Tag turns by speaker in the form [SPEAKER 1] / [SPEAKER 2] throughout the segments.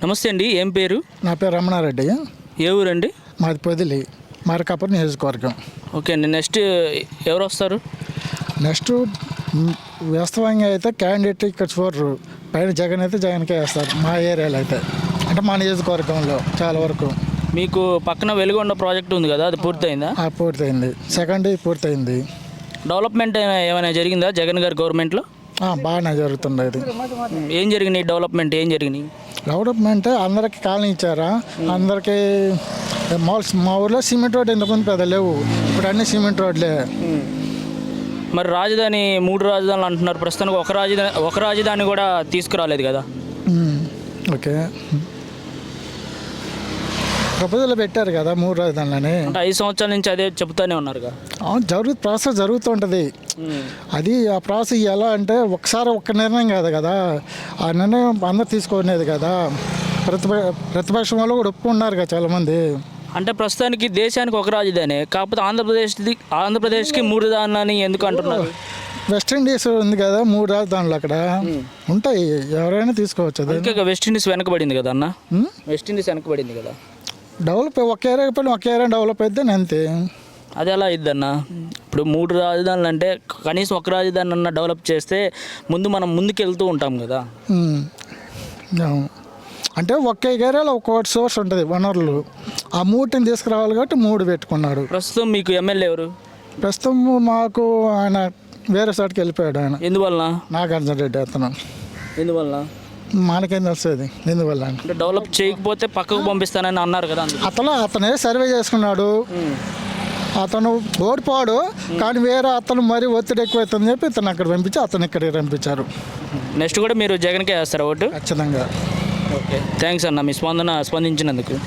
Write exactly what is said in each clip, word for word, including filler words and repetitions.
[SPEAKER 1] నమస్తే అండి, ఏం పేరు?
[SPEAKER 2] నా పేరు రమణారెడ్డి.
[SPEAKER 1] ఏ ఊరండి?
[SPEAKER 2] మాది పొదిలి, మార్కాపురం నియోజకవర్గం.
[SPEAKER 1] ఓకే అండి, నెక్స్ట్ ఎవరు వస్తారు?
[SPEAKER 2] నెక్స్ట్ వాస్తవంగా అయితే క్యాండిడేట్ ఇక్కడ చూడరు, పైన జగన్ అయితే జగన్కే వేస్తారు మా ఏరియాలో అయితే, అంటే మా నియోజకవర్గంలో చాలా వరకు.
[SPEAKER 1] మీకు పక్కన వెలుగొండ ప్రాజెక్ట్ ఉంది కదా, అది పూర్తయిందా?
[SPEAKER 2] ఆ, పూర్తయింది. సెకండ్ పూర్తయింది.
[SPEAKER 1] డెవలప్మెంట్ ఏమైనా జరిగిందా జగన్ గారి గవర్నమెంట్లో?
[SPEAKER 2] బాగానే జరుగుతుంది. అది
[SPEAKER 1] ఏం జరిగినాయి డెవలప్మెంట్, ఏం జరిగినాయి?
[SPEAKER 2] డెవలప్మెంట్ అందరికి కాలనీ ఇచ్చారా, అందరికీ మాల్స్. మా ఊర్లో సిమెంట్ రోడ్ ఎందుకుంది పెద్ద లేవు, ఇప్పుడు అన్ని సిమెంట్ రోడ్లే.
[SPEAKER 1] మరి రాజధాని, మూడు రాజధానులు అంటున్నారు, ప్రస్తుతానికి ఒక రాజధాని ఒక రాజధాని కూడా తీసుకురాలేదు కదా.
[SPEAKER 2] ఓకే, ప్రపోజల్ పెట్టారు కదా మూడు రాజధానులని.
[SPEAKER 1] అంటే ఐదు సంవత్సరాల నుంచి అదే చెప్తానే ఉన్నారు కదా.
[SPEAKER 2] జరుగు ప్రాసెస్ జరుగుతుంటుంది. అది ఆ ప్రాసెస్ ఎలా అంటే ఒకసారి ఒక్క నిర్ణయం కాదు కదా, ఆ నిర్ణయం అందరు తీసుకునేది కదా. ప్రతిప ప్రతిపక్షం వాళ్ళు కూడా ఒప్పుకున్నారు కదా చాలామంది.
[SPEAKER 1] అంటే ప్రస్తుతానికి దేశానికి ఒక రాజధాని, కాకపోతే ఆంధ్రప్రదేశ్ది ఆంధ్రప్రదేశ్కి మూడు రాజధాని ఎందుకు అంటున్నారు?
[SPEAKER 2] వెస్టిండీస్ ఉంది కదా, మూడు రాజధానులు అక్కడ ఉంటాయి, ఎవరైనా తీసుకోవచ్చు. అది
[SPEAKER 1] ఇంకా వెస్టిండీస్ వెనకబడింది కదా అన్న, వెస్టిండీస్ వెనకబడింది కదా.
[SPEAKER 2] డెవలప్ ఒక ఏరియా పైన ఒక ఏరియా డెవలప్ అయితే అంతే.
[SPEAKER 1] అది ఎలా అయిద్దన్న? ఇప్పుడు మూడు రాజధానులు అంటే కనీసం ఒక రాజధాని అన్న డెవలప్ చేస్తే ముందు మనం ముందుకు వెళ్తూ ఉంటాం కదా.
[SPEAKER 2] అంటే ఒక్క ఏరియాలో ఒక్కొక్కటి సోర్స్ ఉంటుంది వనరులు, ఆ మూటిని తీసుకురావాలి కాబట్టి మూడు పెట్టుకున్నాడు.
[SPEAKER 1] ప్రస్తుతం మీకు ఎమ్మెల్యే ఎవరు?
[SPEAKER 2] ప్రస్తుతం మాకు ఆయన వేరే చోటుకి వెళ్ళిపోయాడు. ఆయన
[SPEAKER 1] ఎందువల్ల?
[SPEAKER 2] నాగార్జున రెడ్డి అతను.
[SPEAKER 1] ఎందువల్ల
[SPEAKER 2] మనకేం తెలుస్తుంది ఎందువల్ల
[SPEAKER 1] అంటే? డెవలప్ చేయకపోతే పక్కకు పంపిస్తానని అన్నారు కదా.
[SPEAKER 2] అతను అతనే సర్వే చేసుకున్నాడు, అతను ఓడిపోడు, కానీ వేరే అతను మరీ ఒత్తిడి ఎక్కువైతుందని చెప్పి ఇతను అక్కడ పంపించి అతను ఇక్కడికి పంపించారు.
[SPEAKER 1] నెక్స్ట్ కూడా మీరు జగన్కే వేస్తారా ఓటు?
[SPEAKER 2] ఖచ్చితంగా.
[SPEAKER 1] ఓకే, థ్యాంక్స్ అన్న, మీ స్పందన స్పందించినందుకు.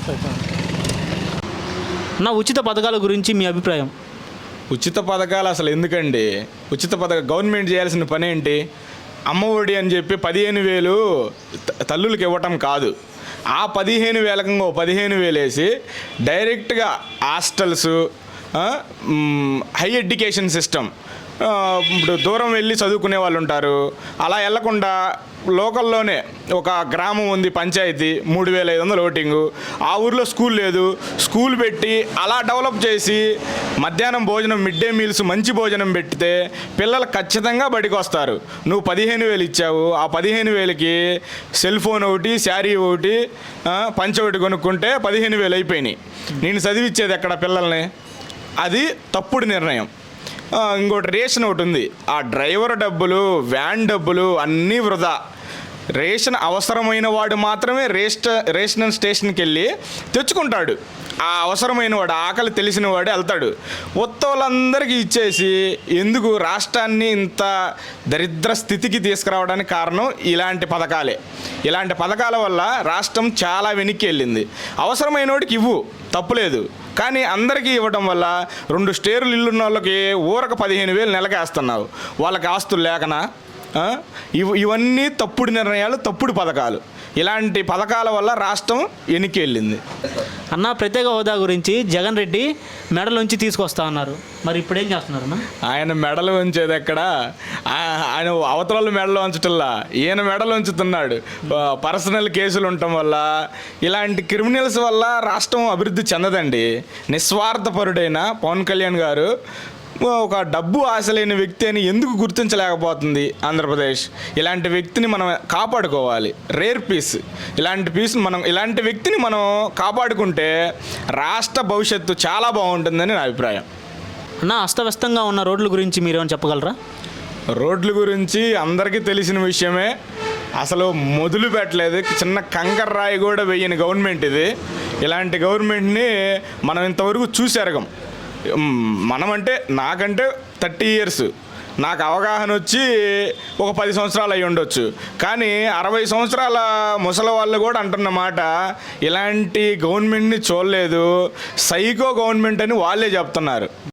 [SPEAKER 3] నా ఉచిత పథకాల గురించి మీ అభిప్రాయం?
[SPEAKER 4] ఉచిత పథకాలు అసలు ఎందుకండి? ఉచిత పథకం గవర్నమెంట్ చేయాల్సిన పని ఏంటి? అమ్మ ఒడి అని చెప్పి పదిహేను వేలు తల్లులకు ఇవ్వటం కాదు, ఆ పదిహేను వేలకు ఇంకో పదిహేను వేలు వేసి డైరెక్ట్గా హాస్టల్స్, హై ఎడ్యుకేషన్ సిస్టమ్, ఇప్పుడు దూరం వెళ్ళి చదువుకునే వాళ్ళు ఉంటారు, అలా వెళ్లకుండా లోకల్లోనే ఒక గ్రామం ఉంది పంచాయతీ, మూడు వేల ఐదు వందల ఓటింగు, ఆ ఊర్లో స్కూల్ లేదు, స్కూల్ పెట్టి అలా డెవలప్ చేసి మధ్యాహ్నం భోజనం, మిడ్ డే మీల్స్, మంచి భోజనం పెడితే పిల్లలు ఖచ్చితంగా బడికి వస్తారు. నువ్వు పదిహేను వేలు ఇచ్చావు, ఆ పదిహేను వేలకి సెల్ ఫోన్ ఒకటి, శారీ ఒకటి, పంచ ఒకటి కొనుక్కుంటే పదిహేను వేలు అయిపోయినాయి. నేను చదివిచ్చేది ఎక్కడ పిల్లల్ని? అది తప్పుడు నిర్ణయం. ఇంకోటి రేషన్ ఒకటి ఉంది, ఆ డ్రైవర్ డబ్బులు, వ్యాన్ డబ్బులు అన్నీ వృధా. రేషన్ అవసరమైన వాడు మాత్రమే రేస్ట్ రేషన్ స్టేషన్కి వెళ్ళి తెచ్చుకుంటాడు. ఆ అవసరమైన వాడు, ఆకలి తెలిసిన వాడు వెళ్తాడు. ఉత్తవులందరికీ ఇచ్చేసి ఎందుకు రాష్ట్రాన్ని ఇంత దరిద్ర స్థితికి తీసుకురావడానికి కారణం ఇలాంటి పథకాలే. ఇలాంటి పథకాల వల్ల రాష్ట్రం చాలా వెనక్కి వెళ్ళింది. అవసరమైన వాడికి ఇవ్వు, తప్పులేదు, కానీ అందరికీ ఇవ్వడం వల్ల రెండు స్టేర్లు ఇల్లున్న వాళ్ళకి ఊరకు పదిహేను వేలు నెలకేస్తున్నావు, వాళ్ళకి ఆస్తులు లేకనా? ఇవ్ ఇవన్నీ తప్పుడు నిర్ణయాలు, తప్పుడు పథకాలు. ఇలాంటి పథకాల వల్ల రాష్ట్రం వెనక్కి వెళ్ళింది.
[SPEAKER 3] అన్న, ప్రత్యేక హోదా గురించి జగన్ రెడ్డి మెడలోంచి తీసుకొస్తా అన్నారు, మరి ఇప్పుడు ఏం చేస్తున్నారు అన్న?
[SPEAKER 4] ఆయన మెడలు ఉంచేది ఎక్కడ? ఆయన అవతల మెడలో ఉంచటల్లా ఈయన మెడలు ఉంచుతున్నాడు. పర్సనల్ కేసులు ఉండటం వల్ల, ఇలాంటి క్రిమినల్స్ వల్ల రాష్ట్రం అభివృద్ధి చెందదండి. నిస్వార్థపరుడైన పవన్ కళ్యాణ్ గారు ఒక డబ్బు ఆశ లేని వ్యక్తి అని ఎందుకు గుర్తించలేకపోతుంది ఆంధ్రప్రదేశ్? ఇలాంటి వ్యక్తిని మనం కాపాడుకోవాలి. రేర్ పీస్, ఇలాంటి పీస్ మనం ఇలాంటి వ్యక్తిని మనం కాపాడుకుంటే రాష్ట్ర భవిష్యత్తు చాలా బాగుంటుందని నా అభిప్రాయం.
[SPEAKER 3] అన్న, అస్తవ్యస్తంగా ఉన్న రోడ్ల గురించి మీరేమైనా చెప్పగలరా?
[SPEAKER 4] రోడ్ల గురించి అందరికీ తెలిసిన విషయమే. అసలు మొదలు పెట్టలేదు, చిన్న కంకర రాయి కూడా వేయని గవర్నమెంట్ ఇది. ఇలాంటి గవర్నమెంట్ని మనం ఇంతవరకు చూసెరగం. మనమంటే నాకంటే థర్టీ ఇయర్స్, నాకు అవగాహన వచ్చి ఒక పది సంవత్సరాలు అయి ఉండొచ్చు, కానీ అరవై సంవత్సరాల ముసలి వాళ్ళు కూడా అంటున్నమాట ఇలాంటి గవర్నమెంట్ని చూడలేదు, సైకో గవర్నమెంట్ అని వాళ్ళే చెప్తున్నారు.